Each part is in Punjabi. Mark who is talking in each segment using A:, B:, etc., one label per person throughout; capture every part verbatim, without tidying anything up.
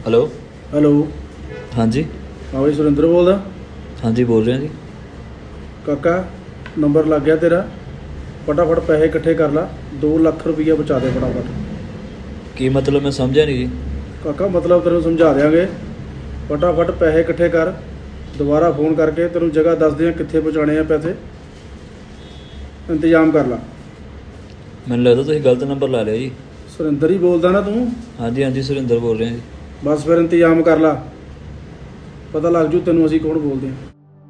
A: हेलो।
B: ਹੈਲੋ।
A: हाँ जी।
B: ਹਾਂ ਬਈ ਸੁਰਿੰਦਰ ਬੋਲਦਾ।
A: हाँ जी बोल रहे हैं जी।
B: ਕਾਕਾ ਨੰਬਰ ਲੱਗ ਗਿਆ ਤੇਰਾ, ਫਟਾਫਟ ਪੈਸੇ ਇਕੱਠੇ ਕਰ ਲਾ, ਦੋ ਲੱਖ ਰੁਪਈਆ ਬਚਾ ਦੇ ਫਟਾਫਟ।
A: की मतलब मैं समझा नहीं जी।
B: ਕਾਕਾ ਮਤਲਬ ਤੈਨੂੰ ਸਮਝਾ ਦਿਆਂਗੇ, ਫਟਾਫਟ ਪੈਸੇ ਇਕੱਠੇ ਕਰ, ਦੁਬਾਰਾ ਫੋਨ ਕਰਕੇ ਤੈਨੂੰ ਜਗ੍ਹਾ ਦੱਸਦੇ ਆ ਕਿੱਥੇ ਪਹੁੰਚਾਉਣੇ ਆ ਪੈਸੇ, ਇੰਤਜ਼ਾਮ ਕਰ ਲਾ।
A: मैंने लगता तुम गलत नंबर ला लिया जी।
B: ਸੁਰਿੰਦਰ ਹੀ ਬੋਲਦਾ ਨਾ ਤੂੰ?
A: हाँ जी हाँ जी सुरिंदर बोल रहे हैं जी।
B: ਬਸ ਫਿਰ ਇੰਤਜ਼ਾਮ ਕਰ ਲਾ, ਪਤਾ ਲੱਗ ਜੂ ਤੈਨੂੰ ਅਸੀਂ ਕੌਣ ਬੋਲਦੇ ਹਾਂ।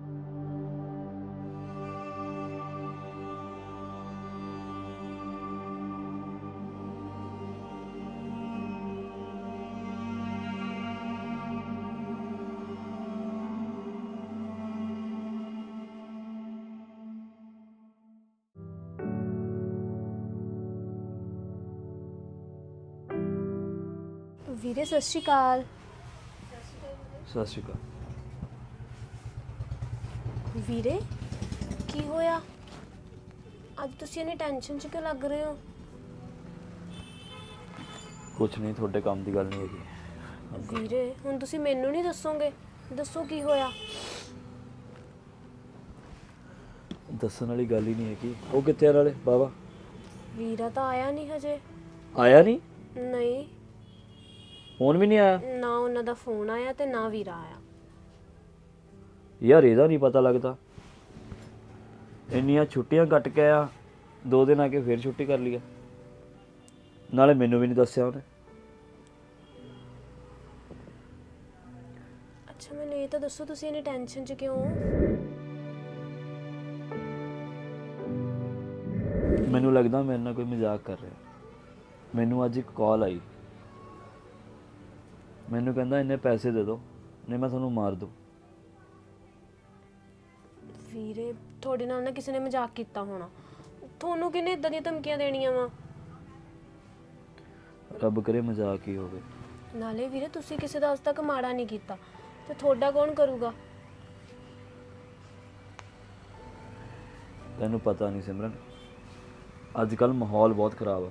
C: ਵੀਰੇ ਸਤਿ ਸ਼੍ਰੀ ਅਕਾਲ।
A: सत श्रीकाल।
C: ਵੀਰੇ ਕੀ ਹੋਇਆ ਅੱਜ ਤੁਸੀਂ ਇੰਨੀ ਟੈਨਸ਼ਨ 'ਚ ਕਿਉਂ ਲੱਗ ਰਹੇ ਹੋ?
A: कुछ नहीं थोड़े काम की गल नहीं हैगी।
C: ਵੀਰੇ ਹੁਣ ਤੁਸੀਂ ਮੈਨੂੰ ਨਹੀਂ ਦੱਸੋਗੇ? ਦੱਸੋ ਕੀ ਹੋਇਆ।
A: दसन वाली गल ही नहीं हैगी। वो कितने आ नाले बाबा?
C: ਵੀਰਾ ਤਾਂ ਆਇਆ ਨਹੀਂ ਹਜੇ।
A: आया नहीं?
C: ਨਹੀਂ
A: फोन भी नहीं आया?
C: ਨਾ ਉਹਨਾਂ ਦਾ ਫੋਨ ਆਇਆ ਤੇ ਨਾ ਵੀਰਾ ਆਇਆ।
A: यार ਇਹਦਾ नहीं पता लगता। ਇੰਨੀਆਂ ਛੁੱਟੀਆਂ ਕੱਟ ਕੇ ਆਇਆ, ਦੋ ਦਿਨ ਆ ਕੇ ਫਿਰ ਛੁੱਟੀ ਕਰ ਲਿਆ, ਨਾਲੇ ਮੈਨੂੰ ਵੀ ਨਹੀਂ ਦੱਸਿਆ ਉਹਨੇ।
C: ਅੱਛਾ ਮੈਨੂੰ ਇਹ ਤਾਂ ਦੱਸੋ ਤੁਸੀਂ ਇੰਨੀ ਟੈਨਸ਼ਨ 'ਚ ਕਿਉਂ ਹੋ?
A: ਮੈਨੂੰ ਲੱਗਦਾ ਮੇਰੇ ਨਾਲ ਕੋਈ ਮਜ਼ਾਕ ਕਰ ਰਿਹਾ। ਮੈਨੂੰ ਅੱਜ ਇੱਕ ਕਾਲ ਆਈ, ਮੈਨੂੰ ਕਹਿੰਦਾ ਇੰਨੇ ਪੈਸੇ ਦੇ ਦਿਓ ਨਹੀਂ ਮੈਂ ਤੁਹਾਨੂੰ ਮਾਰ ਦੂੰ।
C: ਵੀਰੇ ਤੁਹਾਡੇ ਨਾਲ ਨਾ ਕਿਸੇ ਨੇ ਮਜ਼ਾਕ ਕੀਤਾ ਹੋਣਾ। ਤੁਹਾਨੂੰ ਕਿਹਨੇ ਇਦਾਂ ਦੀਆਂ ਧਮਕੀਆਂ ਦੇਣੀਆਂ ਵਾ?
A: ਰੱਬ ਕਰੇ ਮਜ਼ਾਕ ਹੀ ਹੋਵੇ।
C: ਨਾਲੇ ਵੀਰੇ ਤੁਸੀਂ ਕਿਸੇ ਦਾ ਅੱਜ ਤੱਕ ਮਾੜਾ ਨਹੀਂ ਕੀਤਾ ਤੇ ਤੁਹਾਡਾ ਕੌਣ ਕਰੂਗਾ?
A: ਤੈਨੂੰ ਪਤਾ ਨਹੀਂ ਸਿਮਰਨ, ਅੱਜ ਕੱਲ੍ਹ ਮਾਹੌਲ ਬਹੁਤ ਖਰਾਬ ਆ।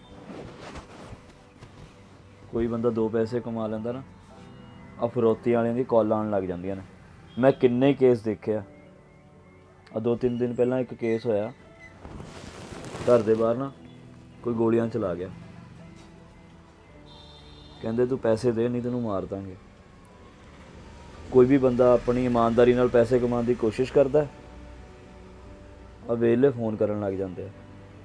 A: ਕੋਈ ਬੰਦਾ ਦੋ ਪੈਸੇ ਕਮਾ ਲੈਂਦਾ ਨਾ, ਆ ਫਰੋਤੀ ਵਾਲਿਆਂ ਦੀ ਕਾਲਾਂ ਆਉਣ ਲੱਗ ਜਾਂਦੀਆਂ ਨੇ। ਮੈਂ ਕਿੰਨੇ ਕੇਸ ਦੇਖਿਆ। ਆ ਦੋ ਤਿੰਨ ਦਿਨ ਪਹਿਲਾਂ ਇੱਕ ਕੇਸ ਹੋਇਆ, ਘਰ ਦੇ ਬਾਹਰ ਨਾ ਕੋਈ ਗੋਲੀਆਂ ਚਲਾ ਗਿਆ, ਕਹਿੰਦੇ ਤੂੰ ਪੈਸੇ ਦੇ ਨਹੀਂ ਤੈਨੂੰ ਮਾਰ ਦਾਂਗੇ। ਕੋਈ ਵੀ ਬੰਦਾ ਆਪਣੀ ਇਮਾਨਦਾਰੀ ਨਾਲ ਪੈਸੇ ਕਮਾਉਣ ਦੀ ਕੋਸ਼ਿਸ਼ ਕਰਦਾ, ਆ ਵੇਲੇ ਫੋਨ ਕਰਨ ਲੱਗ ਜਾਂਦੇ ਆ।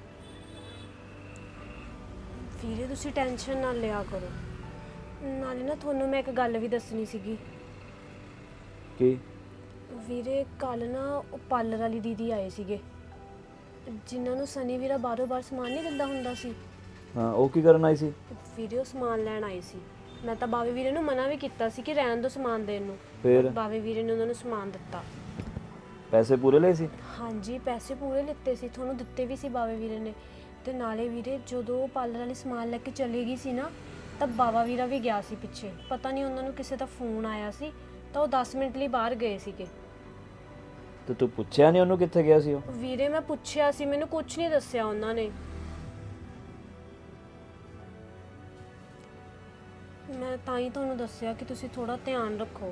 C: ਵੀਰੇ ਤੁਸੀਂ ਟੈਨਸ਼ਨ ਨਾ ਲਿਆ ਕਰੋ। ਨਾਲੇ ਨਾ ਤੁਹਾਨੂੰ ਮੈਂ ਇੱਕ ਗੱਲ ਵੀ ਦੱਸਣੀ ਸੀਗੀ।
A: ਕੀ?
C: ਵੀਰੇ ਕੱਲ ਨਾ ਉਹ ਪਾਰਲਰ ਵਾਲੀ ਦੀਦੀ ਆਏ ਸੀਗੇ, ਜਿਨ੍ਹਾਂ ਨੂੰ ਸਨੀ ਵੀਰਾ ਬਾਰੋਂ ਬਾਰ ਸਮਾਨ ਨਹੀਂ ਦਿੰਦਾ ਹੁੰਦਾ ਸੀ।
A: ਹਾਂ ਉਹ ਕੀ ਕਰਨ ਆਈ ਸੀ?
C: ਵੀਰੇ ਉਹ ਸਮਾਨ ਲੈਣ ਆਏ ਸੀ। ਮੈਂ ਤਾਂ ਬਾਵੇ ਵੀਰੇ ਨੂੰ ਮਨਾ ਵੀ ਕੀਤਾ ਸੀ ਕਿ ਰਹਿਣ ਦਿਓ ਸਮਾਨ ਦੇਣ ਨੂੰ।
A: ਫਿਰ
C: ਬਾਵੇ ਵੀਰੇ ਨੇ ਉਹਨਾਂ ਨੂੰ ਸਮਾਨ ਦਿੱਤਾ।
A: ਪੈਸੇ ਪੂਰੇ ਲਏ ਸੀ?
C: ਹਾਂਜੀ ਪੈਸੇ ਪੂਰੇ ਲਿੱਤੇ ਸੀ, ਤੁਹਾਨੂੰ ਦਿੱਤੇ ਵੀ ਸੀ ਬਾਵੇ ਵੀਰੇ ਨੇ। ਤੇ ਨਾਲੇ ਵੀਰੇ ਜਦੋਂ ਉਹ ਪਾਰਲਰ ਵਾਲੀ ਸਮਾਨ ਲੈ ਕੇ ਚਲੀ ਗਈ ਸੀ ਨਾ, ਤਾਂ ਬਾਵਾ ਵੀਰਾ ਵੀ ਗਿਆ ਸੀ ਪਿੱਛੇ। ਪਤਾ ਨਹੀਂ ਉਹਨਾਂ ਨੂੰ ਕਿਸੇ ਦਾ ਫੋਨ ਆਇਆ ਸੀ ਤਾਂ ਉਹ ਦਸ ਮਿੰਟ ਲਈ ਬਾਹਰ ਗਏ ਸੀਗੇ।
A: ਤੇ ਤੂੰ ਪੁੱਛਿਆ ਨਹੀਂ ਉਹਨੂੰ ਕਿੱਥੇ ਗਿਆ ਸੀ ਉਹ?
C: ਵੀਰੇ ਮੈਂ ਪੁੱਛਿਆ ਸੀ, ਮੈਨੂੰ ਕੁਝ ਨਹੀਂ ਦੱਸਿਆ ਉਹਨਾਂ ਨੇ। ਮੈਂ ਤਾਂ ਹੀ ਤੁਹਾਨੂੰ ਦੱਸਿਆ ਕਿ ਤੁਸੀਂ ਥੋੜਾ ਧਿਆਨ ਰੱਖੋ।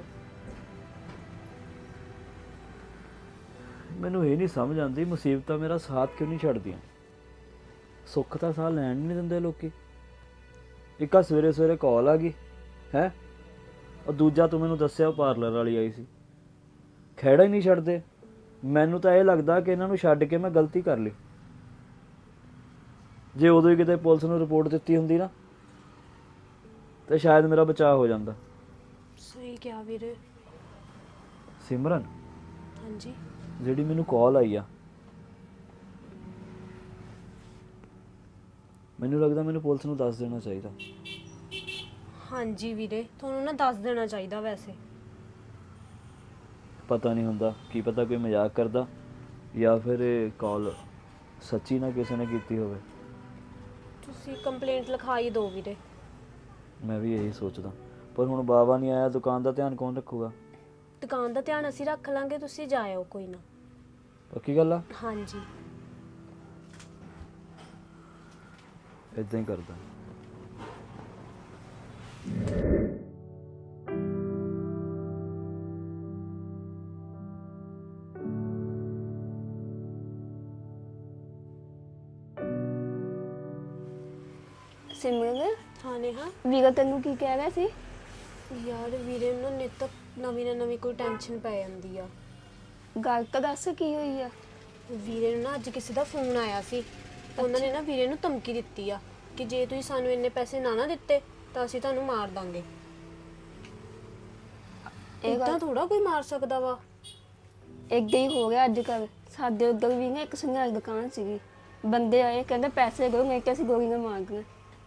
A: ਮੈਨੂੰ ਇਹ ਨਹੀਂ ਸਮਝ ਆਉਂਦੀ, ਮੁਸੀਬਤਾਂ ਮੇਰਾ ਸਾਥ ਕਿਉਂ ਨਹੀਂ ਛੱਡਦੀਆਂ। ਸੁੱਖ ਤਾਂ ਸਾਹ ਲੈਣ ਨਹੀਂ ਦਿੰਦੇ ਲੋਕੀ। ਇੱਕ ਆ ਸਵੇਰੇ ਸਵੇਰੇ ਕਾਲ ਆ ਗਈ ਹੈ, ਉਹ ਦੂਜਾ ਤੂੰ ਮੈਨੂੰ ਦੱਸਿਆ ਉਹ ਪਾਰਲਰ ਵਾਲੀ ਆਈ ਸੀ। ਖਹਿੜਾ ਹੀ ਨਹੀਂ ਛੱਡਦੇ। ਮੈਨੂੰ ਤਾਂ ਇਹ ਲੱਗਦਾ ਕਿ ਇਹਨਾਂ ਨੂੰ ਛੱਡ ਕੇ ਮੈਂ ਗਲਤੀ ਕਰ ਲਈ। ਜੇ ਉਦੋਂ ਹੀ ਕਿਤੇ ਪੁਲਿਸ ਨੂੰ ਰਿਪੋਰਟ ਦਿੱਤੀ ਹੁੰਦੀ ਨਾ, ਤੇ ਸ਼ਾਇਦ ਮੇਰਾ ਬਚਾਅ ਹੋ ਜਾਂਦਾ।
C: ਸਹੀ ਕਿਹਾ ਵੀਰੇ।
A: ਸਿਮਰਨ,
C: ਹਾਂਜੀ
A: ਜਿਹੜੀ ਮੈਨੂੰ ਕਾਲ ਆਈ ਆ, ਮੈਨੂੰ ਲੱਗਦਾ ਮੈਨੂੰ ਪੁਲਿਸ ਨੂੰ ਦੱਸ ਦੇਣਾ ਚਾਹੀਦਾ।
C: ਹਾਂਜੀ ਵੀਰੇ ਤੁਹਾਨੂੰ ਨਾ ਦੱਸ ਦੇਣਾ ਚਾਹੀਦਾ। ਵੈਸੇ
A: ਪਤਾ ਨਹੀਂ ਹੁੰਦਾ, ਕੀ ਪਤਾ ਕੋਈ ਮਜ਼ਾਕ ਕਰਦਾ ਜਾਂ ਫਿਰ ਇਹ ਕਾਲ ਸੱਚੀ ਨਾ ਕਿਸੇ ਨੇ ਕੀਤੀ ਹੋਵੇ।
C: ਤੁਸੀਂ ਕੰਪਲੇਂਟ ਲਿਖਾਈ ਦਿਓ ਵੀਰੇ।
A: ਮੈਂ ਵੀ ਇਹੀ ਸੋਚਦਾ, ਪਰ ਹੁਣ ਬਾਬਾ ਨਹੀਂ ਆਇਆ, ਦੁਕਾਨ ਦਾ ਧਿਆਨ ਕੌਣ ਰੱਖੂਗਾ?
C: ਦੁਕਾਨ ਦਾ ਧਿਆਨ ਅਸੀਂ ਰੱਖ ਲਾਂਗੇ, ਤੁਸੀਂ ਜਾਇਓ ਕੋਈ ਨਾ।
A: ਪੱਕੀ ਗੱਲ ਆ?
C: ਹਾਂਜੀ
A: ਇਦਾਂ ਹੀ ਕਰਦਾ।
D: ਸਿਮਰਨ
C: ਹਾਂ ਨੇਹਾ।
D: ਵੀਰਾ ਤੈਨੂੰ ਕੀ ਕਹਿ ਰਿਹਾ ਸੀ?
C: ਯਾਰ ਵੀਰੇ ਨੂੰ ਨਾ ਨਿੱਤ ਨਵੀਂ ਨਾ ਨਵੀਂ ਕੋਈ ਟੈਨਸ਼ਨ ਪੈ ਜਾਂਦੀ ਆ।
D: ਗੱਲ ਤਾਂ ਦੱਸ ਕੀ ਹੋਈ ਆ?
C: ਵੀਰੇ ਨੂੰ ਨਾ ਅੱਜ ਕਿਸੇ ਦਾ ਫੋਨ ਆਇਆ ਸੀ। ਉਹਨਾਂ ਨੇ ਨਾ ਵੀਰੇ ਨੂੰ ਧਮਕੀ ਦਿੱਤੀ ਆ ਕਿ ਜੇ ਤੁਸੀਂ ਸਾਨੂੰ ਇੰਨੇ ਪੈਸੇ ਨਾ ਨਾ ਦਿੱਤੇ ਤਾਂ ਅਸੀਂ ਤੁਹਾਨੂੰ ਮਾਰ ਦਾਂਗੇ।
D: ਇਹ
C: ਇਦਾਂ
D: ਗੱਲ
C: ਥੋੜਾ ਕੋਈ ਮਾਰ ਸਕਦਾ ਵਾ।
D: ਏਦਾਂ ਹੀ ਹੋ ਗਿਆ ਅੱਜ ਕੱਲ। ਸਾਡੇ ਉੱਧਰ ਵੀ ਨਾ ਇੱਕ ਸੁਨਿਆਰ ਦੁਕਾਨ ਸੀਗੀ, ਬੰਦੇ ਆਏ ਕਹਿੰਦੇ ਪੈਸੇ ਦਿਓ ਨਹੀਂ ਕਿ ਅਸੀਂ ਗੋਲੀਆਂ ਮਾਰਨੀਆਂ।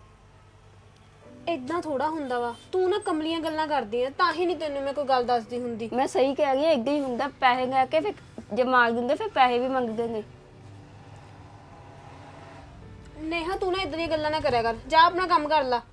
C: ਇਦਾਂ ਥੋੜਾ ਹੁੰਦਾ ਵਾ। ਤੂੰ ਨਾ ਕਮਲੀਆਂ ਗੱਲਾਂ ਕਰਦੀ ਆ, ਤਾਂ ਹੀ ਨਹੀਂ ਤੈਨੂੰ ਮੈਂ ਕੋਈ ਗੱਲ ਦੱਸਦੀ ਹੁੰਦੀ।
D: ਮੈਂ ਸਹੀ ਕਹਿ ਰਹੀ ਹਾਂ, ਏਦਾਂ ਹੀ ਹੁੰਦਾ। ਪੈਸੇ ਲੈ ਕੇ ਫਿਰ ਜੇ ਮਾਰ ਦਿੰਦੇ ਫਿਰ ਪੈਸੇ ਵੀ ਮੰਗਦੇ ਨੇ।
C: ਨੇਹਾ ਤੂੰ ਨਾ ਇਦਾਂ ਦੀਆਂ ਗੱਲਾਂ ਨਾ ਕਰਿਆ ਕਰ, ਜਾ ਆਪਣਾ ਕੰਮ ਕਰ ਲਾ।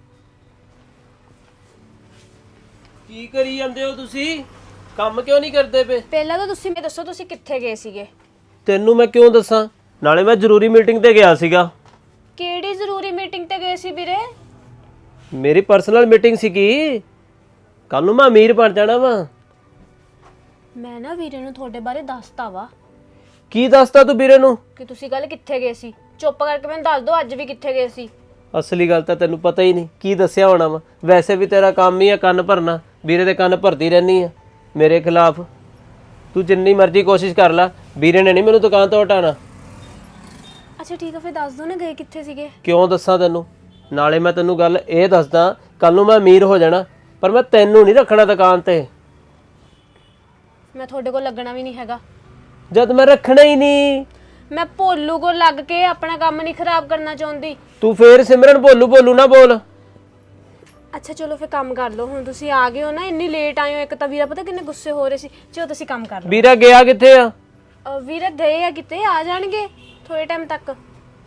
E: ਕੀ ਕਰੀ ਜਾਂਦੇ ਹੋ ਤੁਸੀਂ? ਕੰਮ ਕਿਉਂ ਨਹੀਂ ਕਰਦੇ ਪਏ?
C: ਪਹਿਲਾਂ ਤਾਂ ਤੁਸੀਂ ਮੈਨੂੰ ਦੱਸੋ ਤੁਸੀਂ ਕਿੱਥੇ ਗਏ ਸੀਗੇ?
E: ਤੈਨੂੰ ਮੈਂ ਕਿਉਂ ਦੱਸਾਂ? ਨਾਲੇ ਮੈਂ ਜ਼ਰੂਰੀ ਮੀਟਿੰਗ ਤੇ ਗਿਆ ਸੀਗਾ।
C: ਕਿਹੜੀ ਜ਼ਰੂਰੀ ਮੀਟਿੰਗ ਤੇ ਗਏ ਸੀ ਵੀਰੇ?
E: ਮੇਰੀ ਪਰਸਨਲ ਮੀਟਿੰਗ ਸੀਗੀ। ਕੱਲ ਨੂੰ ਮੈਂ ਅਮੀਰ ਬਣ ਜਾਣਾ ਵਾ।
C: ਮੈਂ ਨਾ ਵੀਰੇ ਨੂੰ ਤੁਹਾਡੇ ਬਾਰੇ ਦੱਸਤਾ ਵਾ
E: ਕੀ ਦੱਸਤਾ ਤੂੰ ਵੀਰੇ ਨੂੰ?
C: ਕਿ ਤੁਸੀਂ ਕੱਲ ਕਿੱਥੇ ਗਏ ਸੀ। ਚੁੱਪ ਕਰਕੇ ਮੈਨੂੰ ਦੱਸ ਦਿਓ ਅੱਜ ਵੀ ਕਿੱਥੇ ਗਏ ਸੀ।
E: ਅਸਲੀ ਗੱਲ ਤਾਂ ਤੈਨੂੰ ਪਤਾ ਹੀ ਨਹੀਂ, ਕੀ ਦੱਸਿਆ ਹੋਣਾ ਵਾ। ਵੈਸੇ ਵੀ ਤੇਰਾ ਕੰਮ ਹੀ ਆ ਕੰਨ ਭਰਨਾ, ਵੀਰੇ ਦੇ ਕੰਨ ਭਰਦੀ ਰਹਿਨੀ ਆ ਮੇਰੇ ਖਿਲਾਫ। ਤੂੰ ਜਿੰਨੀ ਮਰਜ਼ੀ ਕੋਸ਼ਿਸ਼ ਕਰ ਲੈ, ਵੀਰੇ ਨੇ ਨਹੀਂ ਮੈਨੂੰ ਦੁਕਾਨ ਤੋਂ ਹਟਾਣਾ।
C: ਅੱਛਾ ਠੀਕ ਆ, ਫਿਰ ਦੱਸ ਦਿਓ ਨਾ ਗਏ ਕਿੱਥੇ ਸੀਗੇ।
E: ਕਿਉਂ ਦੱਸਾਂ ਤੈਨੂੰ? ਨਾਲੇ ਮੈਂ ਤੈਨੂੰ ਗੱਲ ਇਹ ਦੱਸਦਾ, ਕੱਲ ਨੂੰ ਮੈਂ ਅਮੀਰ ਹੋ ਜਾਣਾ, ਪਰ ਮੈਂ ਤੈਨੂੰ ਨਹੀਂ ਰੱਖਣਾ ਦੁਕਾਨ ਤੇ।
C: ਮੈਂ ਤੁਹਾਡੇ ਕੋਲ ਲੱਗਣਾ ਵੀ ਨਹੀਂ ਹੈਗਾ।
E: ਜਦ ਮੈਂ ਰੱਖਣਾ ਹੀ ਨਹੀਂ।
C: ਮੈਂ ਭੋਲੂ ਕੋਲ ਲੱਗ ਕੇ ਆਪਣਾ ਕੰਮ ਨਹੀਂ ਖਰਾਬ ਕਰਨਾ ਚਾਹੁੰਦੀ।
E: ਤੂੰ ਫੇਰ ਸਿਮਰਨ ਬੋਲੂ ਬੋਲੂ ਨਾ ਬੋਲ।
C: ਅੱਛਾ ਚਲੋ ਫਿਰ ਕੰਮ ਕਰ ਲਓ। ਹੁਣ ਤੁਸੀਂ ਆ ਗਏ ਹੋ ਨਾ, ਇੰਨੀ ਲੇਟ ਆਏ ਹੋ। ਇੱਕ ਤਾਂ ਵੀਰਾ ਪਤਾ ਕਿੰਨੇ ਗੁੱਸੇ ਹੋ ਰਹੇ ਸੀ। ਚਲੋ ਤੁਸੀਂ ਕੰਮ ਕਰ ਲਓ।
E: ਵੀਰਾ ਗਿਆ ਕਿੱਥੇ ਆ?
C: ਅਹ ਵੀਰਾ ਗਏ ਆ ਕਿਤੇ, ਆ ਜਾਣਗੇ ਥੋੜੇ ਟਾਈਮ ਤੱਕ।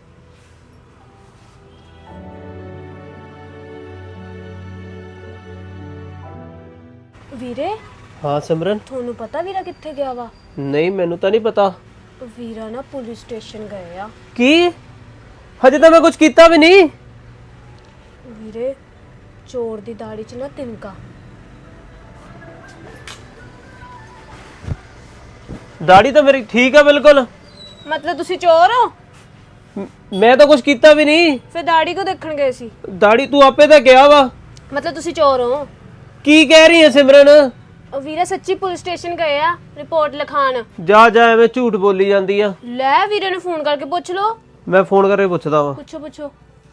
C: ਵੀਰੇ
E: ਹਾਂ ਸਿਮਰਨ।
C: ਤੁਹਾਨੂੰ ਪਤਾ ਵੀਰਾ ਕਿੱਥੇ ਗਿਆ ਵਾ?
E: ਨਹੀਂ ਮੈਨੂੰ ਤਾਂ ਨਹੀਂ ਪਤਾ।
C: ਵੀਰਾ ਨਾ ਪੁਲਿਸ ਸਟੇਸ਼ਨ ਗਏ ਆ।
E: ਕੀ? ਹਜੇ ਤਾਂ ਮੈਂ ਕੁਝ ਕੀਤਾ ਵੀ ਨਹੀਂ।
C: ਵੀਰੇ ਚੋਰ ਦੀ ਦਾੜੀ 'ਚ ਨਾ ਤਿਨਕਾ।
E: ਦਾੜੀ ਤਾਂ ਮੇਰੀ ਠੀਕ ਆ ਬਿਲਕੁਲ।
C: ਮਤਲਬ ਤੁਸੀਂ ਚੋਰ ਹੋ?
E: ਮ- ਮੈਂ ਤਾਂ ਕੁਝ ਕੀਤਾ ਵੀ ਨਹੀਂ।
C: ਫਿਰ ਦਾੜੀ ਕੋ ਦੇਖਣ ਗਏ ਸੀ?
E: ਦਾੜੀ ਤੂੰ ਆਪੇ ਤਾਂ ਗਿਆ ਵਾ।
C: ਮਤਲਬ ਤੁਸੀਂ ਚੋਰ ਹੋ?
E: ਕੀ ਕਹਿ ਰਹੀ ਹੈ ਸਿਮਰਨ?
C: ਉਹ ਵੀਰੇ ਸੱਚੀ ਪੁਲਿਸ ਸਟੇਸ਼ਨ ਗਏ ਆ ਰਿਪੋਰਟ ਲਿਖਾਣ।
E: ਜਾ ਜਾ ਐਵੇਂ ਝੂਠ ਬੋਲੀ ਜਾਂਦੀ ਆ।
C: ਲੈ ਵੀਰੇ ਨੂੰ ਫੋਨ ਕਰਕੇ ਪੁੱਛ ਲਓ।
E: ਮੈਂ ਫੋਨ ਕਰਕੇ ਪੁੱਛਦਾ ਵਾਂ।
C: ਪੁੱਛੋ ਪੁੱਛੋ।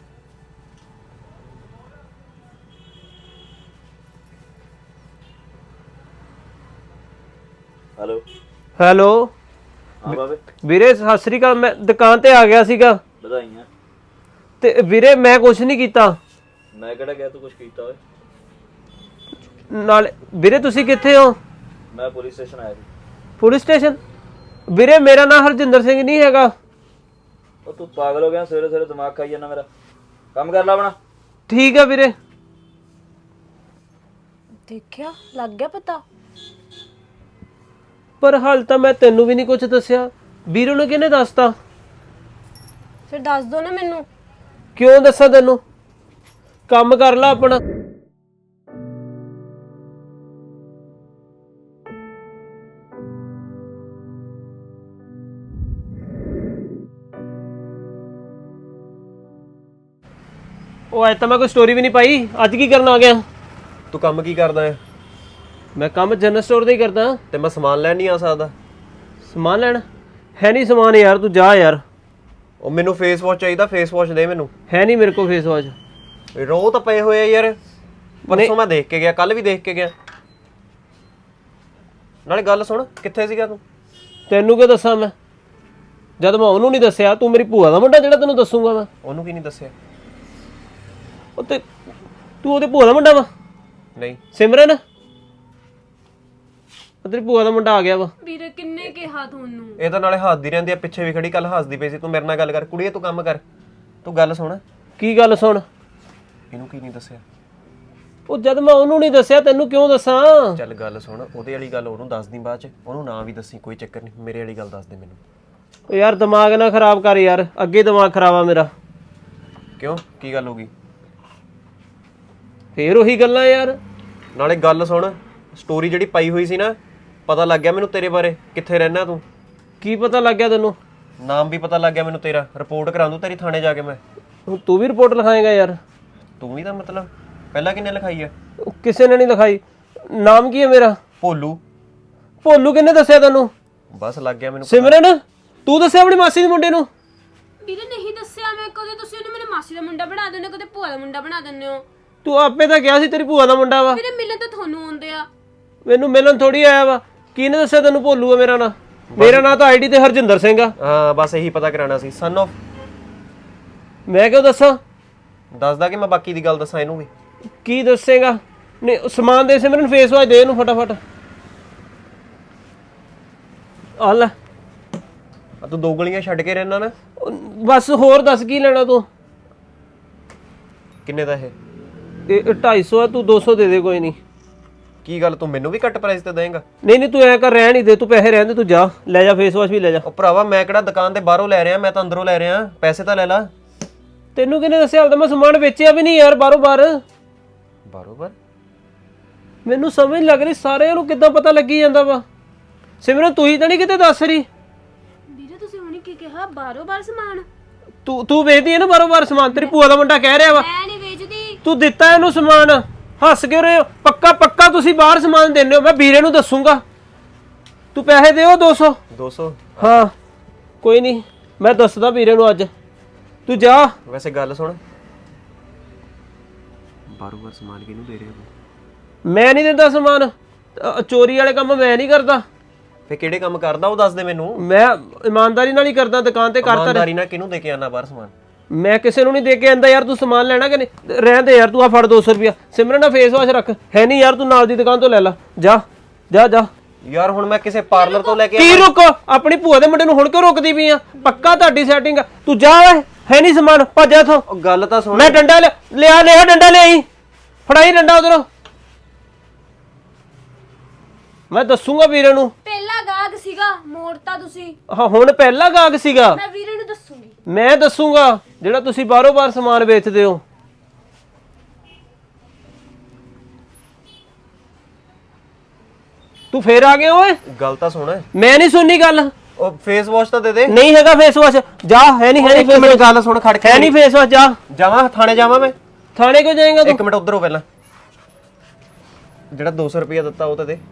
A: ਹੈਲੋ।
E: ਹੈਲੋ
A: ਹਾਂ ਬਾਬੇ,
E: ਵੀਰੇ ਸਤਿ ਸ੍ਰੀ ਅਕਾਲ। ਮੈਂ ਦੁਕਾਨ ਤੇ ਆ ਗਿਆ ਸੀਗਾ
A: ਵਧਾਈਆਂ।
E: ਤੇ ਵੀਰੇ ਮੈਂ ਕੁਝ ਨਹੀਂ ਕੀਤਾ।
A: ਮੈਂ ਕਿਹੜਾ ਗਿਆ ਤੂੰ ਕੁਝ ਕੀਤਾ ਓਏ?
E: ਨਾਲ ਵੀਰੇ ਤੁਸੀਂ ਕਿੱਥੇ ਹੋ?
A: ਮੈਂ ਪੁਲਿਸ ਸਟੇਸ਼ਨ ਆਇਆ ਸੀ।
E: Police station? ਵੀਰੇ ਮੇਰਾ ਨਾਮ ਹਰਜਿੰਦਰ ਸਿੰਘ ਨਹੀਂ ਹੈਗਾ।
A: ਉਹ ਤੂੰ ਪਾਗਲ ਹੋ ਗਿਆ? ਸਵੇਰੇ ਸਵੇਰੇ ਦਿਮਾਗ ਖਾਈ ਜਾਂਦਾ ਮੇਰਾ। ਕੰਮ ਕਰ ਲੈ ਆਪਣਾ।
E: ਠੀਕ ਆ ਵੀਰੇ।
C: ਦੇਖਿਆ, ਲੱਗ ਗਿਆ ਪਤਾ।
E: ਪਰ ਹਾਲ ਤਾਂ ਮੈਂ ਤੈਨੂੰ ਵੀ ਨਹੀਂ ਕੁਝ ਦੱਸਿਆ। ਵੀਰੇ ਨੂੰ ਕਿਹਨੇ ਦੱਸਤਾ?
C: ਫਿਰ ਦੱਸ ਦੋ ਨਾ ਮੈਨੂੰ।
E: ਕਿਉਂ ਦੱਸਾਂ ਤੈਨੂੰ? ਕੰਮ ਕਰ ਲੈ ਆਪਣਾ। ਉਹ ਅੱਜ ਤਾਂ ਮੈਂ ਕੋਈ ਸਟੋਰੀ ਵੀ ਨਹੀਂ ਪਾਈ। ਅੱਜ ਕੀ ਕਰਨ ਆ ਗਿਆ?
F: ਤੂੰ ਕੰਮ ਕੀ ਕਰਦਾ ਹੈ?
E: ਮੈਂ ਕੰਮ ਜਨਰਲ ਸਟੋਰ ਦਾ ਹੀ ਕਰਦਾ।
F: ਤੇ ਮੈਂ ਸਮਾਨ ਲੈਣ ਨਹੀਂ ਆ ਸਕਦਾ?
E: ਸਮਾਨ ਲੈਣ? ਹੈ ਨਹੀਂ ਸਮਾਨ ਯਾਰ, ਤੂੰ ਜਾ ਯਾਰ।
F: ਉਹ ਮੈਨੂੰ ਫੇਸ ਵਾਸ਼ ਚਾਹੀਦਾ, ਫੇਸ ਵਾਸ਼ ਦੇ ਮੈਨੂੰ।
E: ਹੈ ਨਹੀਂ ਮੇਰੇ ਕੋਲ ਫੇਸ ਵਾਸ਼।
F: ਰੋ ਤਾਂ ਪਏ ਹੋਏ ਆ ਯਾਰ। ਪਰਸੋਂ ਮੈਂ ਦੇਖ ਕੇ ਗਿਆ, ਕੱਲ ਵੀ ਦੇਖ ਕੇ ਗਿਆ। ਨਾਲੇ ਗੱਲ ਸੁਣ, ਕਿੱਥੇ ਸੀਗਾ ਤੂੰ?
E: ਤੈਨੂੰ ਕਿਉਂ ਦੱਸਾਂ ਮੈਂ? ਜਦ ਮੈਂ ਉਹਨੂੰ ਨਹੀਂ ਦੱਸਿਆ, ਤੂੰ ਮੇਰੀ ਭੂਆ ਦਾ ਮੁੰਡਾ ਜਿਹੜਾ ਤੈਨੂੰ ਦੱਸੂਗਾ ਮੈਂ?
F: ਉਹਨੂੰ ਕੀ ਨਹੀਂ ਦੱਸਿਆ?
E: ਉਹ ਤੇ ਤੂੰ ਉਹਦੇ ਭੂਆ ਦਾ ਮੁੰਡਾ ਵਾ?
F: ਨਹੀਂ।
E: ਸਿਮਰਨ, ਤੇਰੀ ਭੂਆ ਦਾ ਮੁੰਡਾ ਆ ਗਿਆ ਵਾ।
C: ਵੀਰੇ ਕਿੰਨੇ ਕਿਹਾ ਤੁਹਾਨੂੰ?
F: ਇਹ ਤਾਂ ਨਾਲੇ ਹੱਸਦੀ ਰਹਿੰਦੀ ਆ, ਪਿੱਛੇ ਵੀ ਖੜੀ ਕੱਲ ਹੱਸਦੀ ਪਈ ਸੀ। ਤੂੰ ਮੇਰੇ ਨਾਲ ਗੱਲ ਕਰ ਕੁੜੀਏ, ਤੂੰ ਕੰਮ ਕਰ। ਤੂੰ ਗੱਲ ਸੁਣ।
E: ਕੀ ਗੱਲ ਸੁਣ?
F: ਇਹਨੂੰ ਕੀ ਨਹੀਂ ਦੱਸਿਆ?
E: ਉਹ ਜਦ ਮੈਂ ਉਹਨੂੰ ਨਹੀਂ ਦੱਸਿਆ ਤੈਨੂੰ ਕਿਉਂ ਦੱਸਾਂ?
F: ਚੱਲ ਗੱਲ ਸੁਣ, ਉਹਦੇ ਵਾਲੀ ਗੱਲ ਉਹਨੂੰ ਦੱਸ ਦੀ ਬਾਅਦ ਚ। ਉਹਨੂੰ ਨਾ ਵੀ ਦੱਸੀ, ਕੋਈ ਚੱਕਰ ਨਹੀਂ। ਮੇਰੇ ਵਾਲੀ ਗੱਲ ਦੱਸ ਦੇ ਮੈਨੂੰ।
E: ਉਹ ਯਾਰ ਦਿਮਾਗ ਨਾ ਖਰਾਬ ਕਰ ਯਾਰ, ਅੱਗੇ ਦਿਮਾਗ ਖਰਾਬ ਆ ਮੇਰਾ।
F: ਕਿਉਂ, ਕੀ ਗੱਲ ਹੋ ਗਈ?
E: ਫੇਰ ਉਹੀ ਗੱਲਾਂ ਯਾਰ।
F: ਨਾਲੇ ਗੱਲ ਸੁਣ, ਸਟੋਰੀ ਜਿਹੜੀ ਪਾਈ ਹੋਈ ਸੀ ਨਾ, ਪਤਾ ਲੱਗ ਗਿਆ ਮੈਨੂੰ ਤੇਰੇ ਬਾਰੇ। ਕਿੱਥੇ ਰਹਿਣਾ ਤੂੰ?
E: ਕੀ ਪਤਾ ਲੱਗ ਗਿਆ ਤੈਨੂੰ?
F: ਨਾਮ ਵੀ ਪਤਾ ਲੱਗ ਗਿਆ ਮੈਨੂੰ ਤੇਰਾ। ਰਿਪੋਰਟ ਕਰਾ ਦੂੰ ਤੇਰੀ ਥਾਣੇ ਜਾ ਕੇ ਮੈਂ।
E: ਹੁਣ ਤੂੰ ਵੀ ਰਿਪੋਰਟ ਲਿਖਾਏਗਾ ਯਾਰ?
F: ਤੂੰ ਵੀ ਤਾਂ ਮਤਲਬ ਪਹਿਲਾਂ ਕਿੰਨੇ ਲਿਖਾਈ ਆ?
E: ਉਹ ਕਿਸੇ ਨੇ ਨਹੀਂ ਲਿਖਾਈ। ਨਾਮ ਕੀ ਹੈ ਮੇਰਾ?
F: ਭੋਲੂ।
E: ਭੋਲੂ ਕਿਹਨੇ ਦੱਸਿਆ ਤੈਨੂੰ?
F: ਬਸ ਲੱਗ ਗਿਆ ਮੈਨੂੰ।
E: ਸਿਮਰਨ ਤੂੰ ਦੱਸਿਆ ਆਪਣੀ ਮਾਸੀ ਦੇ ਮੁੰਡੇ ਨੂੰ?
C: ਵੀਰੇ ਨਹੀਂ ਦੱਸਿਆ ਮੈਂ, ਕਦੇ ਤੁਸੀਂ ਉਹਨੂੰ ਮੇਰੇ ਮਾਸੀ ਦਾ ਮੁੰਡਾ ਬਣਾ ਦਿੰਦੇ ਹੋ, ਕਦੇ ਭੂਆ ਦਾ ਮੁੰਡਾ ਬਣਾ ਦਿੰਦੇ ਹੋ।
E: ਤੂੰ ਆਪੇ ਤਾਂ ਕਿਹਾ ਸੀ ਤੇਰੀ ਭੂਆ ਦਾ ਮੁੰਡਾ ਵਾ।
C: ਵੀਰੇ ਮਿਲਣ ਤਾਂ ਤੁਹਾਨੂੰ ਆਉਂਦੇ ਆ।
E: ਮੈਨੂੰ ਮਿਲਣ ਥੋੜੀ ਆਇਆ ਵਾ। ਕਿਹਨੇ ਦੱਸਿਆ ਤੈਨੂੰ ਭੋਲੂ ਆ ਮੇਰਾ ਨਾਂ? ਮੇਰਾ ਨਾਂ ਤਾਂ ਆਈਡੀ ਤੇ ਹਰਜਿੰਦਰ ਸਿੰਘ ਆ।
F: ਹਾਂ ਬਸ ਇਹੀ ਪਤਾ ਕਰਾਣਾ ਸੀ। Son of.
E: ਮੈਂ ਕਿਉਂ ਦੱਸਾਂ?
F: ਦੱਸਦਾ ਕਿ ਮੈਂ ਬਾਕੀ ਦੀ ਗੱਲ ਦੱਸਾਂ ਇਹਨੂੰ ਵੀ।
E: ਕੀ ਦੱਸੇਗਾ? ਨਹੀਂ ਉਹ ਸਮਾਨ ਦੇ ਸਿਮਰਨ ਫੇਸ ਵਾਸ਼ ਦੇ ਇਹਨੂੰ ਫਟਾਫਟ। ਆ ਲੈ
F: ਆ ਤੂੰ ਦੋ ਗਲੀਆਂ ਛੱਡ ਕੇ ਰਹਿਣਾ ਨਾ।
E: ਉਹ ਬਸ ਹੋਰ ਦੱਸ ਕੀ ਲੈਣਾ ਤੂੰ?
F: ਕਿੰਨੇ ਦਾ ਇਹ?
E: ਇਹ ਢਾਈ ਸੌ ਆ, ਤੂੰ ਦੋ ਸੌ ਦੇ ਦੇ ਕੋਈ ਨਹੀਂ।
F: ਕੀ ਗੱਲ ਤੂੰ ਮੈਨੂੰ ਵੀ ਘੱਟ ਪ੍ਰਾਈਸ ਤੇ ਦੇਂਗਾ?
E: ਨਹੀਂ ਨਹੀਂ ਤੂੰ ਐ ਕਰ, ਰਹਿਣ ਹੀ ਦੇ, ਤੂੰ ਪੈਸੇ ਰਹਿਣ ਦੇ, ਤੂੰ ਜਾ ਲੈ ਜਾ, ਫੇਸ ਵਾਸ਼ ਵੀ ਲੈ ਜਾ।
F: ਉਹ ਭਰਾਵਾ ਮੈਂ ਕਿਹੜਾ ਦੁਕਾਨ ਤੇ ਬਾਹਰੋਂ ਲੈ ਰਿਹਾ, ਮੈਂ ਤਾਂ ਅੰਦਰੋਂ ਲੈ ਰਿਹਾ। ਪੈਸੇ ਤਾਂ ਲੈ ਲਾ।
E: ਤੈਨੂੰ ਕਿਹਨੇ ਦੱਸਿਆ? ਹਾਲ ਤਾਂ ਮੈਂ ਸਮਾਨ ਵੇਚਿਆ ਵੀ ਨਹੀਂ ਯਾਰ ਬਾਰੋਂ ਬਾਰ।
F: ਬਰੋਬਰ।
E: ਮੈਨੂੰ ਸਮਝ ਲੱਗ ਰਹੀ ਸਾਰਿਆਂ ਨੂੰ ਕਿੱਦਾਂ ਪਤਾ ਲੱਗੀ ਜਾਂਦਾ ਵਾ। ਸਿਮਰਨ ਤੂੰ ਹੀ ਤਾਂ ਨਹੀਂ ਕਿਤੇ ਦੱਸ ਰਹੀ?
C: ਵੀਰੇ ਤੁਸੀਂ ਹੁਣੇ ਕੀ ਕਿਹਾ? ਬਾਰੋ ਬਾਰ ਸਮਾਨ?
E: ਤੂੰ ਤੂੰ ਵੇਚਦੀ ਹੈ ਨਾ ਬਾਰੋਂ ਬਾਰ ਸਮਾਨ? ਤੇਰੀ ਭੂਆ ਦਾ ਮੁੰਡਾ ਕਹਿ ਰਿਹਾ ਵਾ।
C: ਮੈਂ ਨਹੀਂ ਵੇਚਦੀ।
E: ਤੂੰ ਦਿੱਤਾ ਇਹਨੂੰ ਸਮਾਨ, ਹੱਸ ਕੇ ਰਹੇ ਹੋ। ਪੱਕਾ ਪੱਕਾ ਤੁਸੀਂ ਬਾਹਰ ਸਮਾਨ ਦਿੰਦੇ ਹੋ। ਮੈਂ ਵੀਰੇ ਨੂੰ ਦੱਸੂਗਾ। ਤੂੰ ਪੈਸੇ ਦਿਓ ਦੋ ਸੌ।
F: ਦੋ ਸੌ?
E: ਹਾਂ ਕੋਈ ਨਹੀਂ, ਮੈਂ ਦੱਸਦਾ ਵੀਰੇ ਨੂੰ ਅੱਜ। ਤੂੰ ਜਾ।
F: ਵੈਸੇ ਗੱਲ ਸੁਣ, ਬਾਰ-ਬਾਰ ਸਮਾਨ ਕਿਹਨੂੰ ਦੇ ਰਿਹਾ ਤੂੰ?
E: ਮੈਂ ਨਹੀਂ ਦਿੰਦਾ ਸਮਾਨ। ਅ, ਚੋਰੀ ਵਾਲੇ ਕੰਮ ਮੈਂ ਨਹੀਂ ਕਰਦਾ।
F: ਫੇ ਕਿਹੜੇ ਕੰਮ ਕਰਦਾ ਉਹ ਦੱਸ ਦੇ ਮੈਨੂੰ।
E: ਮੈਂ ਇਮਾਨਦਾਰੀ ਨਾਲ ਹੀ ਕਰਦਾ, ਦੁਕਾਨ ਤੇ ਕਰਦਾ।
F: ਇਮਾਨਦਾਰੀ ਨਾਲ ਕਿਹਨੂੰ ਦੇ ਕੇ ਆਣਾ ਬਾਹਰ ਸਮਾਨ?
E: ਮੈਂ ਕਿਸੇ ਨੂੰ ਨਹੀਂ ਦੇ ਕੇ ਆਂਦਾ ਯਾਰ। ਤੂੰ ਸਮਾਨ ਲੈਣਾ ਕਿ ਨਹੀਂ? ਰਹਿਣ ਦੇ ਯਾਰ, ਤੂੰ ਆ ਫੜ ਦੋ ਸੌ ਰੁਪਇਆ। ਸਿਮਰਨ ਦਾ ਫੇਸ ਵਾਸ਼ ਰੱਖ। ਹੈ ਨਹੀਂ ਯਾਰ, ਤੂੰ ਨਾਲ ਦੀ ਦੁਕਾਨ ਤੋਂ ਲੈ ਲੈ। ਜਾ ਜਾ ਜਾ।
F: ਯਾਰ ਹੁਣ ਮੈਂ ਕਿਸੇ ਪਾਰਲਰ ਤੋਂ ਲੈ ਕੇ
E: ਕੀ ਰੁਕ? ਆਪਣੀ ਭੂਆ ਦੇ ਮੁੰਡੇ ਨੂੰ ਹੁਣ ਕਿਉਂ ਰੁਕਦੀ ਪਈ ਆ? ਪੱਕਾ ਤੁਹਾਡੀ ਸੈਟਿੰਗ ਆ। ਤੂੰ ਜਾ ਓਏ, ਹੈ ਨਹੀਂ ਸਮਾਨ, ਭੱਜ ਜਾ ਇੱਥੋਂ।
F: ਉਹ ਗੱਲ ਤਾਂ ਸੁਣ।
E: ਮੈਂ ਡੰਡਾ ਲਿਆ ਲਿਆ ਲਿਆ ਡੰਡਾ ਲਿਆਈ, ਫੜਾਈ ਡੰਡਾ ਉਧਰੋਂ। ਮੈਂ ਦੱਸੂਗਾ ਵੀਰੇ ਨੂੰ।
C: ਪਹਿਲਾ ਗਾਹਕ ਸੀਗਾ, ਮੋੜਤਾ ਤੁਸੀਂ।
E: ਹਾਂ ਹੁਣ ਪਹਿਲਾ ਗਾਹਕ ਸੀਗਾ।
C: ਮੈਂ ਵੀਰੇ ਨੂੰ ਦੱਸੂਗੀ।
E: ਮੈਂ ਦੱਸੂਗਾ ਜਿਹੜਾ ਤੁਸੀਂ ਬਾਹਰੋਂ ਬਾਹਰ ਸਮਾਨ ਵੇਚਦੇ ਹੋ। ਤੂੰ ਫੇਰ ਆ ਗਿਆ ਓਏ।
F: ਗੱਲ ਤਾਂ ਸੁਣ।
E: ਮੈਂ ਨਹੀਂ ਸੁਣਨੀ ਗੱਲ।
F: ਉਹ ਫੇਸ ਵਾਸ਼ ਤਾਂ ਦੇ ਦੇ।
E: ਨਹੀਂ ਹੈਗਾ ਫੇਸ ਵਾਸ਼। ਜਾ, ਹੈ ਨਹੀਂ, ਹੈ ਨਹੀਂ ਫੇਸ ਵਾਸ਼।
F: ਗੱਲ ਸੁਣ ਖੜ ਕੇ।
E: ਹੈ ਨਹੀਂ ਫੇਸ ਵਾਸ਼। ਜਾ।
F: ਜਾਵਾਂ ਥਾਣੇ ਜਾਵਾਂ ਮੈਂ?
E: ਥਾਣੇ ਕਿਉਂ ਜਾਏਗਾ
F: ਇੱਕ
E: ਤੂੰ?
F: ਮਿੰਟ ਉਧਰੋਂ ਪਹਿਲਾਂ ਜਿਹੜਾ ਦੋ ਸੌ ਰੁਪਇਆ ਦਿੱਤਾ ਉਹ ਤਾਂ ਦੇ।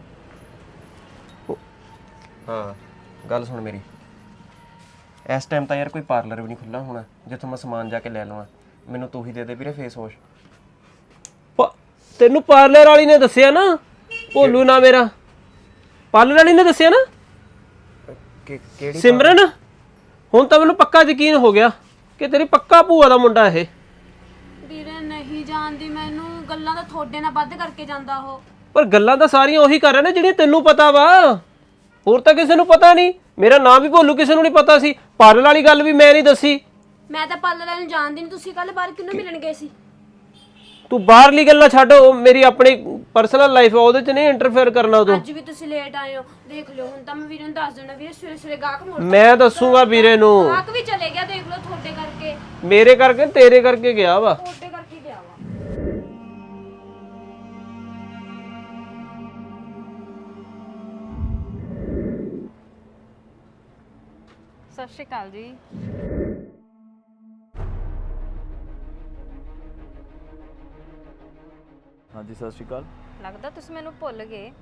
F: ਹਾਂ ਗੱਲ ਸੁਣ ਮੇਰੀ, ਇਸ ਟਾਈਮ ਤਾਂ ਯਾਰ ਕੋਈ ਪਾਰਲਰ ਵੀ ਨਹੀਂ ਖੁੱਲਾ ਹੋਣਾ ਜਿੱਥੋਂ ਮੈਂ ਸਮਾਨ ਜਾ ਕੇ ਲੈ ਲਵਾਂ। ਮੈਨੂੰ ਤੂੰ ਹੀ ਦੇ ਦੇ ਵੀਰੇ ਫੇਸ ਵਾਸ਼।
E: ਪ- ਤੈਨੂੰ ਪਾਰਲਰ ਵਾਲੀ ਨੇ ਦੱਸਿਆ ਨਾ? ਭੋਲੂ ਨਾ ਮੇਰਾ। ਪਾਰਲਰ ਵਾਲੀ ਨੇ ਦੱਸਿਆ ਨਾ?
F: ਕਿਹੜੀ
E: ਸਿਮਰਨ ਹੁਣ ਤਾਂ ਮੈਨੂੰ ਪੱਕਾ ਯਕੀਨ ਹੋ ਗਿਆ ਕਿ ਤੇਰੀ ਪੱਕਾ ਭੂਆ ਦਾ ਮੁੰਡਾ ਇਹ।
C: ਵੀਰੇ ਨਹੀਂ ਜਾਣਦੀ ਮੈਨੂੰ, ਗੱਲਾਂ ਤਾਂ ਤੁਹਾਡੇ ਨਾਲ ਵੱਧ ਕਰਕੇ ਜਾਂਦਾ ਉਹ।
E: ਪਰ ਗੱਲਾਂ ਤਾਂ ਸਾਰੀਆਂ ਉਹੀ ਕਰ ਰਿਹਾ ਨੇ ਜਿਹੜੀਆਂ ਤੈਨੂੰ ਪਤਾ ਵਾ। ਹੋਰ ਤਾਂ ਕਿਸੇ ਨੂੰ ਪਤਾ ਨਹੀਂ। ਮੇਰਾ ਨਾਮ ਵੀ ਭੋਲੂ ਕਿਸੇ ਨੂੰ ਨਹੀਂ ਪਤਾ ਸੀ। ਪਾਰਲਰ ਵਾਲੀ ਗੱਲ ਵੀ ਮੈਂ ਨਹੀਂ ਦੱਸੀ।
C: ਮੈਂ ਤਾਂ ਪਾਰਲਰ ਨੂੰ ਜਾਣਦੀ ਨਹੀਂ। ਤੁਸੀਂ ਕੱਲ ਬਾਹਰ ਕਿਹਨੂੰ ਮਿਲਣ ਗਏ ਸੀ?
E: ਤੂੰ ਬਾਹਰਲੀ ਗੱਲਾਂ ਛੱਡ, ਉਹ ਮੇਰੀ ਆਪਣੀ ਪਰਸਨਲ ਲਾਈਫ ਆ, ਉਹਦੇ 'ਚ ਨਹੀਂ ਇੰਟਰਫੇਅਰ ਕਰਨਾ ਤੂੰ।
C: ਅੱਜ ਵੀ ਤੁਸੀਂ ਲੇਟ ਆਏ ਹੋ, ਦੇਖ ਲਿਓ। ਹੁਣ ਤਾਂ ਮੈਂ ਵੀਰੇ ਨੂੰ ਦੱਸ ਦੇਣਾ। ਵੀਰੇ ਸਵੇਰੇ ਸਵੇਰੇ ਗਾਹਕ ਮੋੜ
E: ਮੈਂ ਦੱਸੂਗਾ ਵੀਰੇ ਨੂੰ।
C: ਗਾਹਕ ਵੀ ਚਲੇ ਗਿਆ, ਦੇਖ ਲਓ ਤੁਹਾਡੇ ਕਰਕੇ।
E: ਮੇਰੇ ਕਰਕੇ ਤੇਰੇ ਕਰਕੇ ਗਿਆ ਵਾ।
C: ਤੁਹਾਡੇ ਕਰਕੇ ਗਿਆ ਵਾ।
G: ਸਤਿ ਸ਼੍ਰੀ ਅਕਾਲ ਜੀ।
A: ਹਾਂਜੀ ਸਤਿ ਸ਼੍ਰੀ ਅਕਾਲ।
G: ਲੱਗਦਾ ਤੁਸੀਂ ਮੈਨੂੰ ਭੁੱਲ ਗਏ।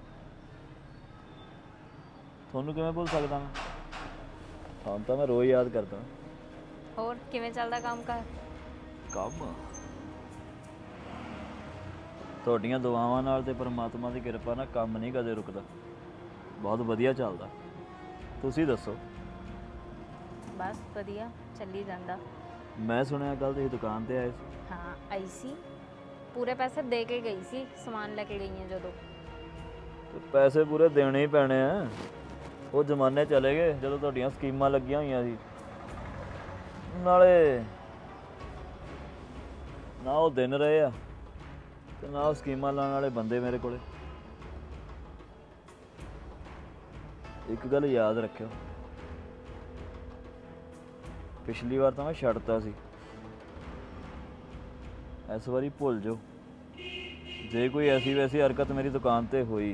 A: ਤੁਹਾਨੂੰ ਕਿਵੇਂ ਭੁੱਲ ਸਕਦਾ ਮੈਂ? ਹਾਂ ਤਾਂ ਮੈਂ ਰੋਜ਼ ਯਾਦ ਕਰਦਾ।
G: ਹੋਰ ਕਿਵੇਂ ਚੱਲਦਾ ਕੰਮ ਕਾਰ?
A: ਕੰਮ ਤੁਹਾਡੀਆਂ ਦੁਆਵਾਂ ਨਾਲ ਤੇ ਪਰਮਾਤਮਾ ਦੀ ਕਿਰਪਾ ਨਾਲ ਕੰਮ ਨਹੀਂ ਕਦੇ ਰੁਕਦਾ। ਬਹੁਤ ਵਧੀਆ ਚੱਲਦਾ। ਤੁਸੀਂ ਦੱਸੋ?
G: ਬਸ ਵਧੀਆ ਚੱਲੀ ਜਾਂਦਾ।
A: ਮੈਂ ਸੁਣਿਆ ਕੱਲ ਤੁਸੀਂ ਦੁਕਾਨ ਤੇ ਆਏ ਸੀ।
G: ਹਾਂ ਆਈ ਸੀ, ਪੂਰੇ ਪੈਸੇ ਦੇ ਕੇ ਗਈ ਸੀ ਸਮਾਨ ਲੈ ਕੇ ਗਈ ਹਾਂ ਜਦੋਂ।
A: ਤੇ ਪੈਸੇ ਪੂਰੇ ਦੇਣੇ ਹੀ ਪੈਣੇ ਆ। ਉਹ ਜ਼ਮਾਨੇ ਚਲੇ ਗਏ ਜਦੋਂ ਤੁਹਾਡੀਆਂ ਸਕੀਮਾਂ ਲੱਗੀਆਂ ਹੋਈਆਂ ਸੀ। ਨਾਲੇ ਨਾ ਉਹ ਦਿਨ ਰਹੇ ਆ ਤੇ ਨਾ ਉਹ ਸਕੀਮਾਂ ਲਾਉਣ ਵਾਲੇ ਬੰਦੇ ਮੇਰੇ ਕੋਲੇ। ਇੱਕ ਗੱਲ ਯਾਦ ਰੱਖਿਓ, ਪਿਛਲੀ ਵਾਰ ਤਾਂ ਮੈਂ ਛੱਡਤਾ ਸੀ, ਇਸ ਵਾਰੀ ਭੁੱਲ ਜਾਓ। ਜੇ ਕੋਈ ਐਸੀ ਵੈਸੀ ਹਰਕਤ ਮੇਰੀ ਦੁਕਾਨ ਤੇ ਹੋਈ,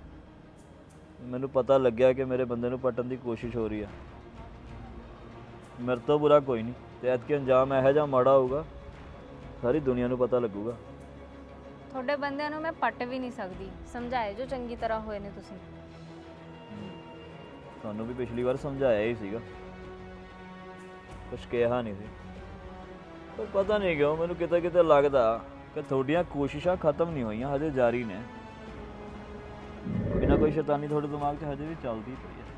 A: ਮੈਨੂੰ ਪਤਾ ਲੱਗਿਆ ਕਿ ਮੇਰੇ ਬੰਦੇ ਨੂੰ ਪੱਟਣ ਦੀ ਕੋਸ਼ਿਸ਼ ਹੋ ਰਹੀ ਆ, ਮੇਰੇ ਤੋਂ ਬੁਰਾ ਕੋਈ ਨਹੀਂ, ਤੇ ਐਤਕੀ ਅੰਜਾਮ ਇਹੋ ਜਿਹਾ ਮਾੜਾ ਹੋਊਗਾ ਸਾਰੀ ਦੁਨੀਆ ਨੂੰ ਪਤਾ ਲੱਗੂਗਾ।
G: ਤੁਹਾਡੇ ਬੰਦਿਆਂ ਨੂੰ ਮੈਂ ਪੱਟ ਵੀ ਨਹੀਂ ਸਕਦੀ, ਸਮਝਾਏ ਜੋ ਚੰਗੀ ਤਰ੍ਹਾਂ ਹੋਏ ਨੇ ਤੁਸੀਂ।
A: ਤੁਹਾਨੂੰ ਵੀ ਪਿਛਲੀ ਵਾਰ ਸਮਝਾਇਆ ਹੀ ਸੀਗਾ, ਕੁਛ ਕਿਹਾ ਨਹੀਂ ਸੀ। ਪਰ ਪਤਾ ਨਹੀਂ ਕਿਉਂ ਮੈਨੂੰ ਕਿਤੇ ਕਿਤੇ ਲੱਗਦਾ ਕਿ ਤੁਹਾਡੀਆਂ ਕੋਸ਼ਿਸ਼ਾਂ ਖਤਮ ਨਹੀਂ ਹੋਈਆਂ, ਹਜੇ ਜਾਰੀ ਨੇ। ਕੋਈ ਨਾ ਕੋਈ ਸ਼ੈਤਾਨੀ ਤੁਹਾਡੇ ਦਿਮਾਗ 'ਚ ਹਜੇ ਵੀ ਚੱਲਦੀ ਪਈ ਹੈ।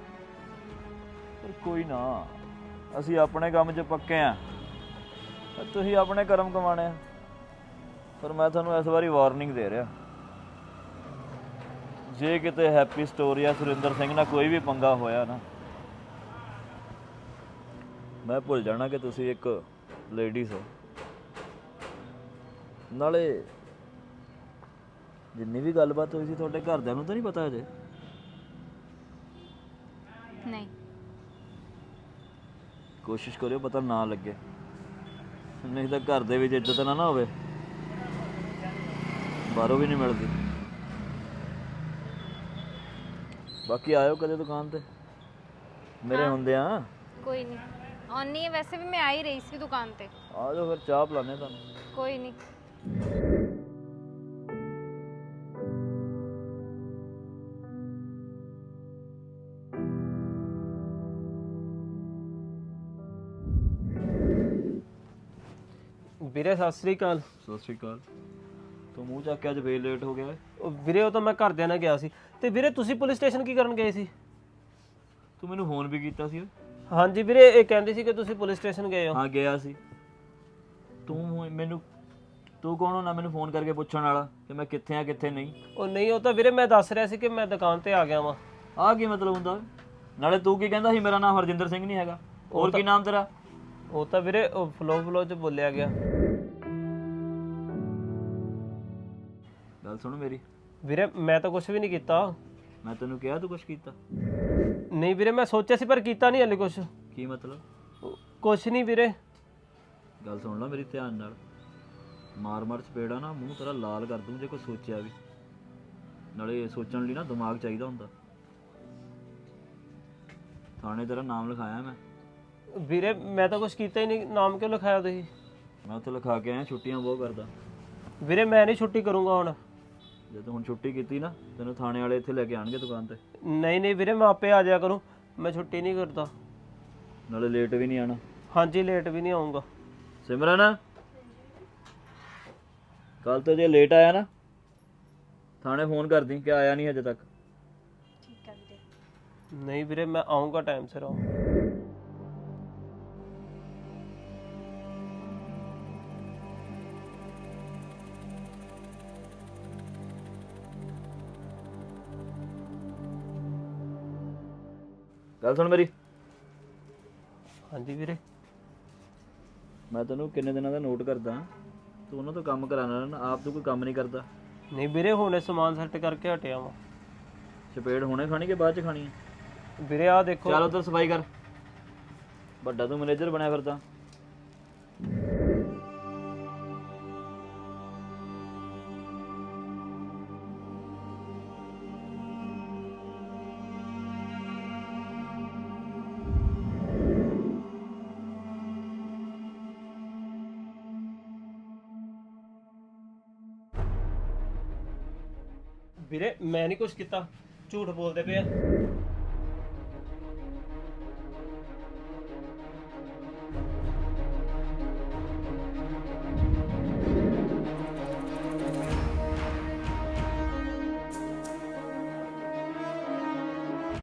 A: ਪਰ ਕੋਈ ਨਾ, ਅਸੀਂ ਆਪਣੇ ਕੰਮ 'ਚ ਪੱਕੇ ਆ, ਤੁਸੀਂ ਆਪਣੇ ਕਰਮ ਕਮਾਣੇ ਆ। ਪਰ ਮੈਂ ਤੁਹਾਨੂੰ ਇਸ ਵਾਰੀ ਵਾਰਨਿੰਗ ਦੇ ਰਿਹਾ, ਜੇ ਕਿਤੇ ਹੈਪੀ ਸਟੋਰੀ ਜਾਂ ਸੁਰਿੰਦਰ ਸਿੰਘ ਨਾਲ ਕੋਈ ਵੀ ਪੰਗਾ ਹੋਇਆ ਨਾ, ਮੈਂ ਭੁੱਲ ਜਾਣਾ ਕਿ ਤੁਸੀਂ ਇੱਕ ਲੇਡੀਜ਼ ਹੋ। ਨਾਲੇ ਜਿੰਨੀ ਵੀ ਗੱਲਬਾਤ ਹੋਈ ਸੀ ਤੁਹਾਡੇ ਘਰਦਿਆਂ ਨੂੰ ਤਾਂ ਨਹੀਂ ਪਤਾ ਅਜੇ?
G: ਨਹੀਂ,
A: ਕੋਸ਼ਿਸ਼ ਕਰਿਓ ਪਤਾ ਨਾ ਲੱਗੇ, ਨਹੀਂ ਤਾਂ ਘਰ ਦੇ ਵਿੱਚ ਇੱਜ਼ਤ ਨਾ ਨਾ ਹੋਵੇ, ਬਾਹਰੋਂ ਵੀ ਨਹੀਂ ਮਿਲਦੀ। ਬਾਕੀ ਆਇਓ ਕਦੇ ਦੁਕਾਨ ਤੇ ਮੇਰੇ ਹੁੰਦੇ ਆ।
G: ਕੋਈ ਨਹੀਂ ਆਉਣੀ ਹੈ, ਵੈਸੇ ਵੀ ਮੈਂ ਆ ਹੀ ਰਹੀ ਸੀ ਦੁਕਾਨ ਤੇ।
A: ਆ ਜਾਓ ਫਿਰ ਚਾਹ ਪਿਲਾਉਂਦੇ ਤੁਹਾਨੂੰ।
G: ਕੋਈ ਨਹੀਂ।
E: ਵੀਰੇ ਸਤਿ ਸ੍ਰੀ ਅਕਾਲ।
A: ਸਤਿ ਸ਼੍ਰੀ ਅਕਾਲ। ਤੂੰ ਮੂੰਹ ਚੱਕ ਕੇ ਅੱਜ ਫੇਰ ਲੇਟ ਹੋ ਗਿਆ ਏ।
E: ਉਹ ਵੀਰੇ ਉਹ ਤਾਂ ਮੈਂ ਘਰਦਿਆਂ ਨਾਲ ਗਿਆ ਸੀ। ਤੇ ਵੀਰੇ ਤੁਸੀਂ ਪੁਲਿਸ ਸਟੇਸ਼ਨ ਕੀ ਕਰਨ ਗਏ ਸੀ?
A: ਤੂੰ ਮੈਨੂੰ ਫੋਨ ਵੀ ਕੀਤਾ ਸੀ?
E: ਹਾਂਜੀ ਵੀਰੇ, ਇਹ ਕਹਿੰਦੇ ਸੀ ਕਿ ਤੁਸੀਂ ਪੁਲਿਸ ਸਟੇਸ਼ਨ ਗਏ ਹੋ।
A: ਹਾਂ ਗਿਆ ਸੀ। ਤੂੰ ਹੁਣ ਮੈਨੂੰ ਤੂੰ ਕੌਣ ਹੁੰਦਾ ਮੈਨੂੰ ਫੋਨ ਕਰਕੇ ਪੁੱਛਣ ਵਾਲਾ ਕਿ ਮੈਂ ਕਿੱਥੇ ਆ ਕਿੱਥੇ ਨਹੀਂ?
E: ਉਹ ਨਹੀਂ, ਉਹ ਤਾਂ ਵੀਰੇ ਮੈਂ ਦੱਸ ਰਿਹਾ ਸੀ ਕਿ ਮੈਂ ਦੁਕਾਨ ਤੇ ਆ ਗਿਆ ਵਾਂ।
A: ਆਹ ਕੀ ਮਤਲਬ ਹੁੰਦਾ? ਨਾਲੇ ਤੂੰ ਕੀ ਕਹਿੰਦਾ ਸੀ ਮੇਰਾ ਨਾਮ ਹਰਜਿੰਦਰ ਸਿੰਘ ਨਹੀਂ ਹੈਗਾ? ਹੋਰ ਕੀ ਨਾਮ ਤੇਰਾ?
E: ਉਹ ਤਾਂ ਵੀਰੇ ਉਹ ਫਲੋ ਫਲੋ ਚ ਬੋਲਿਆ ਗਿਆ।
A: ਗੱਲ ਸੁਣ ਮੇਰੀ,
E: ਵੀਰੇ ਮੈਂ ਤਾਂ ਕੁਝ ਵੀ ਨਹੀਂ ਕੀਤਾ।
A: ਮੈਂ ਤੈਨੂੰ ਕਿਹਾ ਤੂੰ ਕੁਛ ਕੀਤਾ?
E: ਨਹੀਂ ਵੀਰੇ, ਮੈਂ ਸੋਚਿਆ ਸੀ ਪਰ ਕੀਤਾ ਨਹੀਂ ਹਲੇ ਕੁਝ।
A: ਕੀ ਮਤਲਬ?
E: ਕੁਝ ਨਹੀਂ ਵੀਰੇ।
A: ਗੱਲ ਸੁਣ ਲੈ ਮੇਰੀ ਧਿਆਨ ਨਾਲ, ਮਾਰ ਮਾਰ ਚਪੇੜਾ ਨਾ ਮੂੰਹ ਤੇਰਾ ਲਾਲ ਕਰ ਦੂੰ ਜੇ ਕੋਈ ਸੋਚਿਆ ਵੀ। ਨਾਲੇ ਸੋਚਣ ਲਈ ਨਾ ਦਿਮਾਗ ਚਾਹੀਦਾ ਹੁੰਦਾ। ਥਾਣੇ ਤੇਰਾ ਨਾਮ ਲਿਖਾਇਆ ਮੈਂ।
E: ਵੀਰੇ ਮੈਂ ਤਾਂ ਕੁਝ ਕੀਤਾ ਹੀ ਨਹੀਂ। ਨਾਮ ਕਿਉਂ ਲਿਖਾਇਆ ਤੁਸੀਂ?
A: ਮੈਂ ਉੱਥੇ ਲਿਖਾ ਕੇ ਆਇਆ ਛੁੱਟੀਆਂ ਬਹੁਤ ਕਰਦਾ।
E: ਵੀਰੇ ਮੈਂ ਨਹੀਂ ਛੁੱਟੀ ਕਰੂੰਗਾ ਹੁਣ।
A: ਜੇ ਤੂੰ ਹੁਣ ਛੁੱਟੀ ਕੀਤੀ ਨਾ ਤੈਨੂੰ ਥਾਣੇ ਵਾਲੇ ਇੱਥੇ ਲੈ ਕੇ ਆਣਗੇ ਦੁਕਾਨ ਤੇ।
E: ਨਹੀਂ ਨਹੀਂ ਵੀਰੇ, ਮੈਂ ਆਪੇ ਆ ਜਾਇਆ ਕਰੂੰ, ਮੈਂ ਛੁੱਟੀ ਨਹੀਂ ਕਰਦਾ।
A: ਨਾਲੇ ਲੇਟ ਵੀ ਨਹੀਂ ਆਣਾ।
E: ਹਾਂਜੀ, ਲੇਟ ਵੀ ਨਹੀਂ ਆਉਂਗਾ।
A: ਸਿਮਰਨ, ਕੱਲ ਤੋਂ ਜੇ ਲੇਟ ਆਇਆ ਨਾ ਥਾਣੇ ਫੋਨ ਕਰਦੀ ਕਿ ਆਇਆ ਨਹੀਂ ਹਜੇ ਤੱਕ।
C: ਠੀਕ ਹੈ ਵੀਰੇ।
E: ਨਹੀਂ ਵੀਰੇ, ਮੈਂ ਆਉਂਗਾ ਟਾਈਮ ਸਿਰ ਆਊਂ।
A: ਗੱਲ ਸੁਣ ਮੇਰੀ,
E: ਹਾਂਜੀ ਵੀਰੇ।
A: ਮੈਂ ਤੈਨੂੰ ਕਿੰਨੇ ਦਿਨਾਂ ਦਾ ਨੋਟ ਕਰਦਾ, ਤੂੰ ਉਹਨਾਂ ਤੋਂ ਕੰਮ ਕਰਾਉਣਾ ਨਾ, ਆਪ ਤੂੰ ਕੋਈ ਕੰਮ ਨਹੀਂ ਕਰਦਾ।
E: ਨਹੀਂ ਵੀਰੇ, ਹੁਣੇ ਸਮਾਨ ਸੈੱਟ ਕਰਕੇ ਹਟਿਆ ਵਾਂ।
A: ਚਪੇੜ ਹੁਣੇ ਖਾਣੀ ਕਿ ਬਾਅਦ ਚ ਖਾਣੀ ਹੈ?
E: ਵੀਰੇ ਆਹ ਦੇਖੋ।
A: ਚੱਲ ਉੱਧਰ ਸਫਾਈ ਕਰ, ਵੱਡਾ ਤੂੰ ਮੈਨੇਜਰ ਬਣਿਆ ਫਿਰਦਾ।
E: ਵੀਰੇ ਮੈਂ ਨਹੀਂ ਕੁਝ ਕੀਤਾ, ਝੂਠ ਬੋਲਦੇ ਪਏ ਆ।